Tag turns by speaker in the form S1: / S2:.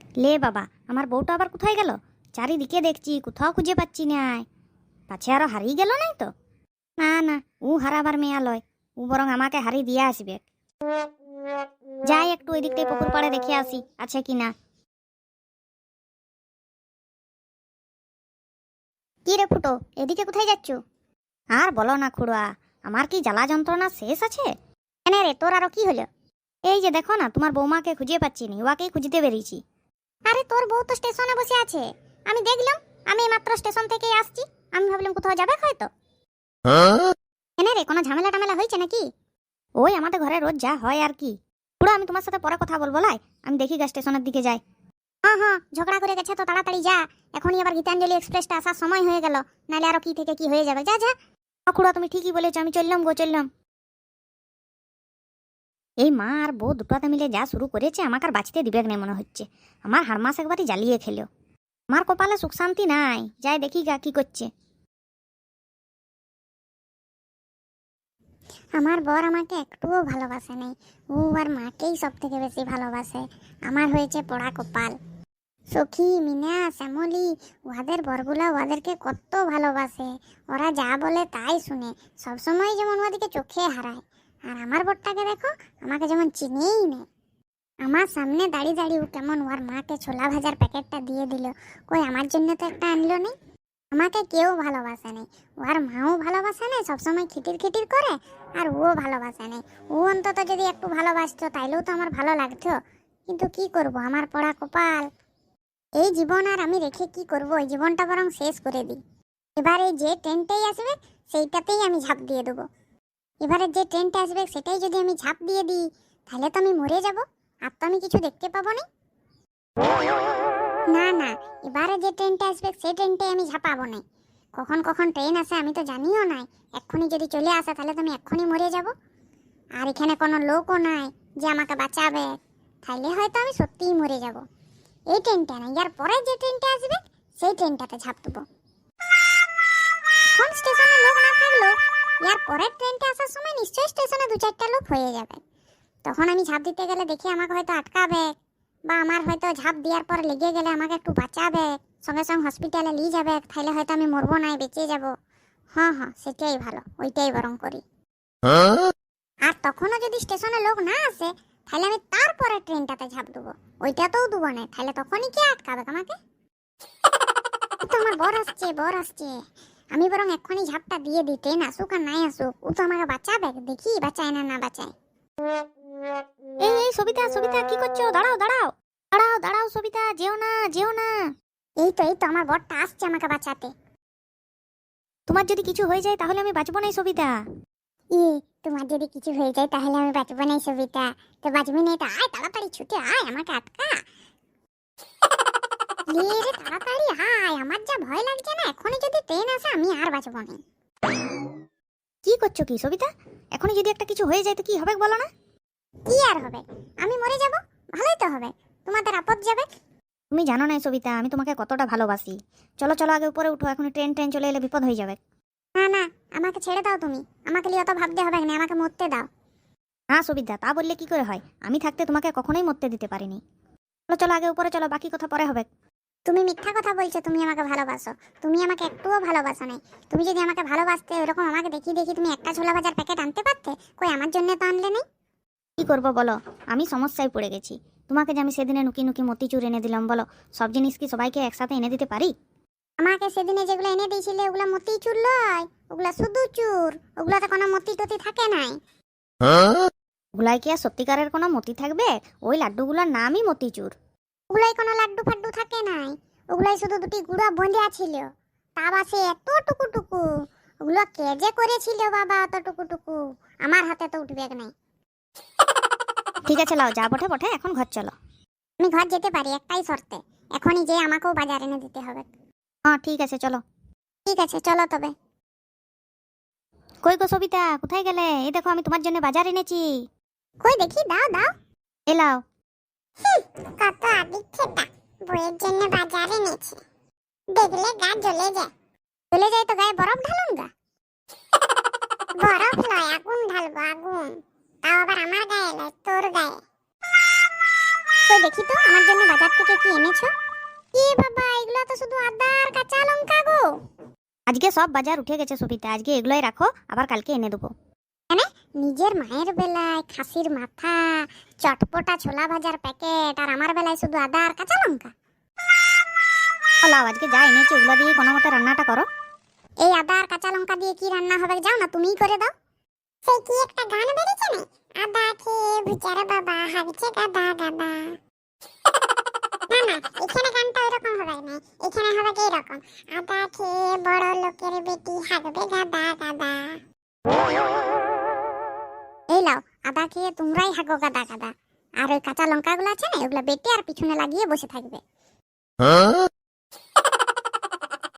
S1: লে বাবা, আমার বউটা আবার কোথায় গেল? চারিদিকে দেখছি, কোথাও খুঁজে পাচ্ছি না। পাছে আরো হারিয়ে গেল নাই তো? না না, ও হারাবার মেয়া লয়, ও বরং আমাকে হারিয়ে দিয়ে আসবে। যাই একটু ওই দিকটাই পুকুর পাড়ে দেখে আসি আছে কিনা। কি রে ফুটো, এদিকে কোথায় যাচ্ছ? আর বলো না খুড়া, আমার কি জ্বালা যন্ত্রণা শেষ আছে। কেন রে, তোর আরো কি হলো? এই যে দেখো না, তোমার বৌমাকে খুঁজে পাচ্ছি নি, ওয়াকেই খুঁজতে বেরিয়েছি। আরে তোর বউ তো স্টেশনে বসে আছে, আমি দেখলাম। আমি মাত্র স্টেশন থেকে আসছি, আমি ভাবলাম কোথাও যাবে হয়তো। কেন রে, কোনো ঝামেলা টামেলা হয়েছে নাকি? ওই আমাদের ঘরে রোজ যা হয় আর কি। পুরো আমি তোমার সাথে পরে কথা বলবো লাই, আমি দেখি গা স্টেশনের দিকে যাই। হ্যাঁ হ্যাঁ, ঝগড়া করে গেছে তো তাড়াতাড়ি যা, এখনই আবার গীতাঞ্জলি এক্সপ্রেসটা আসার সময় হয়ে গেল, নাহলে আরো কি থেকে কি হয়ে যাবে। যা যা। খুড়া তুমি ঠিকই বলেছো, আমি চললাম গো, চললাম। এই মা আর বউ দুটাতে মিলে যা শুরু করেছে, আমাকে আর বাঁচতে দিবে না মনে হচ্ছে। আমার হারমাস একবারই জ্বালিয়ে খেলো। আমার কপালে সুখ শান্তি নাই, যাই দেখি গা কি করছে।
S2: আমার বর আমাকে একটুও ভালোবাসে নাই, ও আর মাকেই সব থেকে বেশি ভালোবাসে। আমার হয়েছে পোড়া কপাল। সখী, মিনা, শ্যামলি, ওদের বরগুলা ওদেরকে কত ভালোবাসে। ওরা যা বলে তাই শুনে, সবসময় যেমন ওদিকে চোখে হারায়। আর আমার বরটাকে দেখো, আমাকে যেমন চিনেই নেই। আমার সামনে দাঁড়িয়ে দাঁড়িয়ে ও কেমন ওর মাকে ছোলা ভাজার প্যাকেটটা দিয়ে দিল। কই আমার জন্য তো একটা আনলো নেই। আমাকে কেউ ভালোবাসে নেই, ওর মাও ভালোবাসে নেই, সবসময় খিটির খিটির করে। আর ও ভালোবাসে নেই। ও অন্তত যদি একটু ভালোবাসতো তাইলেও তো আমার ভালো লাগতো। কিন্তু কি করব, আমার পড়া কপাল। এই জীবন আর আমি রেখে কি করব, এই জীবনটা বরং শেষ করে দিই। এবারে যে ট্রেনটাই আসবে সেইটাতেই আমি ঝাঁপ দিয়ে দেবো। এবারে যে ট্রেনটা আসবে সেটাই যদি আমি ঝাঁপ দিয়ে দিই, তাহলে তো আমি মরে যাব, আর তো আমি কিছু দেখতে পাবো না। না না, এবারে যে ট্রেনটা আসবে সেই ট্রেনটাই আমি ঝাঁপাবো না। কখন কখন ট্রেন আসে আমি তো জানিও নাই। এক্ষুনি যদি চলে আসে তাহলে তো আমি এক্ষুনি মরে যাব। আর এখানে কোনো লোকও নাই যে আমাকে বাঁচাবে, তাহলে হয়তো আমি সত্যিই মরে যাব। এই ট্রেনটা না, ইয়ার পরে যে ট্রেনটা আসবে সেই ট্রেনটাতে ঝাঁপ দেবো। এখন স্টেশনে লোক না থাকলেও ইয়ার পরের ট্রেনটা আসার সময় নিশ্চয়ই স্টেশনে 2-4টা লোক হয়ে যাবে। তখন আমি ঝাঁপ দিতে গেলে দেখি আমাকে হয়তো আটকাবে, বা আমার হয়তো ঝাঁপ দেওয়ার পর লেগে গেলে আমাকে একটু বাঁচাবে, সঙ্গে সঙ্গে হসপিটালে নিয়ে যাবে, তাহলে হয়তো আমি মরবো না, বেঁচে যাব। হ্যাঁ হ্যাঁ, সেটাই ভালো, ওইটাই বরং করি। আর তখনও যদি স্টেশনে লোক না আসে, তাহলে আমি তারপরে ট্রেনটাতে ঝাঁপ দেবো। ওইটাতেও দেবো না, তাহলে তখনই কে আটকাবে আমাকে? তো আমার বর আসছে, বর আসছে। আমি বরং এক্ষুনি ঝাঁপটা দিয়ে দিই, ট্রেন আসুক আর নাই আসুক, ও তো আমাকে বাঁচাবে, দেখি বাঁচায় না না বাঁচায়।
S1: এই এই সবিতা, সবিতা কি করছো? দাঁড়াও দাঁড়াও দাঁড়াও দাঁড়াও, সবিতা যেও না, যেও না।
S2: এই তো আমার বরটা আসছে আমাকে বাঁচাতে।
S1: তোমার যদি কিছু হয়ে যায় তাহলে আমি বাঁচবো না সবিতা।
S2: তোমার যদি কিছু হয়ে যায় তাহলে আমি বাঁচবো না সবিতা। তো বাঁচবি না তো আয়, তাড়াতাড়ি ছুটে আয়, আমাকে আটকা। রে তাড়াতাড়ি আয়, আমার যা ভয় লাগছে না, এখনই যদি ট্রেন আসে আমি আর বাঁচবো না।
S1: কি করছো কি সবিতা? এখনই যদি একটা কিছু হয়ে যায় তো কি হবে বলো না?
S2: কি আর হবে, আমি মরে যাব, ভালোই তো হবে, তোমাদের আপদ যাবে।
S1: তুমি জানো না সবিতা, আমি তোমাকে কতটা ভালোবাসি। চলো চলো, আগে উপরে উঠো, এখন ট্রেন ট্রেন চলে এলে বিপদ হয়ে যাবে।
S2: না না, আমাকে ছেড়ে দাও তুমি, আমাকে নিয়ে অত ভাবতে হবে না, আমাকে মরতে দাও।
S1: না সবিতা, তা বললে কি করে হয়? আমি থাকতে তোমাকে কখনোই মরতে দিতে পারিনি। চলো চলো, আগে উপরে চলো, বাকি কথা পরে হবে।
S2: তুমি মিথ্যা কথা বলছো, তুমি আমাকে ভালোবাসো। তুমি আমাকে একটুও ভালোবাসো নাই। তুমি যদি আমাকে ভালোবাসতে, এরকম আমাকে দেখি দেখি তুমি একটা ছোলা ভাজার প্যাকেট আনতে পারতে, কই আমার জন্য তো আনলে নেই।
S1: কি করবো বলো, আমি সমস্যায় পড়ে গেছি। তোমাকে যে আমি সেদিনে নুকি নুকি মতিচুর এনে দিলাম, বলো সব জিনিস কি সবাইকে একসাথে এনে দিতে পারি?
S2: আমাকে সেদিনে যেগুলো এনে দিয়েছিলে ওগুলা মতি চুর লয়, ওগুলা শুধু চুর, ওগুলাতে কোনো মতি টতি থাকে নাই।
S1: ওগুলাই কি আর সত্যিকারের কোনো মতি থাকবে? ওই লাড্ডুগুলোর নামই মতিচুর।
S2: ওগুলাই কোনো লাড্ডু ফাড্ডু থাকে নাই, ওগুলাই শুধু দুটি গুঁড়া বন্ধা ছিল। তা বাসে এত টুকু টুকু, ওগুলো কে যে করেছিল বাবা অত টুকু টুকু, আমার হাতে তো উঠবে নাই।
S1: ঠিক আছে লাও, যা বটে বটে, এখন ঘর চলো।
S2: আমি ঘর যেতে পারি একটাই শর্তে, এখনই যে আমাকেও বাজার এনে দিতে হবে।
S1: হ্যাঁ ঠিক আছে চলো।
S2: ঠিক আছে চলো তবে।
S1: কই গো সবিতা, কোথায় গেলে? এই দেখো আমি তোমার জন্য বাজার এনেছি।
S2: কই দেখি, দাও দাও।
S1: এলাও।
S2: কত আদিক্ষেতা, বইয়ের জন্য বাজার এনেছে, দেখলে গা জ্বলে যায়। জ্বলে যায় তো গায়ে বরফ ঢালুন গা। বরফ নয়, আগুন ঢালবো, আগুন। তাও আবার আমার গায়ে নয়, তোর গায়ে। কই দেখি তো আমার জন্য বাজার থেকে কি এনেছো। কি বাবা, এগুলো তো শুধু আদা আর কাঁচা লঙ্কা গো।
S1: আজকে সব বাজার উঠে গেছে সবিতা, আজকে এগুলোই রাখো, আবার কালকে এনে দেবো।
S2: নিজের মায়ের বেলায় খাসির মাথা, চটপটা ছোলা ভাজার প্যাকেট, আর আমার বেলায় শুধু আদা আর কাঁচা লঙ্কা।
S1: লাও, আজকে যা এনেছি ওগুলো দিয়ে কোনো মতে রান্নাটা করো।
S2: এই আদা আর কাঁচা লঙ্কা দিয়ে কি রান্না হবে যাও না, তুমিই করে দাও। সেই কি একটা গান বেরিয়েছে না, আদা খেয়ে বুচার বাবা হাগছে গাদা গাদা। না না, এখানে গানটা ওইরকম হবে না, এখানে হবে কি এরকম, আদা খেয়ে বড় লোকের বেটি হাগবে গাদা গাদা। এই লাও, আদা খেয়ে তোমরাই হাগো গাদা গাদা, আর ওই কাঁচা লঙ্কাগুলো আছে না, ওগুলো বেটে আর পিছনে লাগিয়ে বসে থাকবে।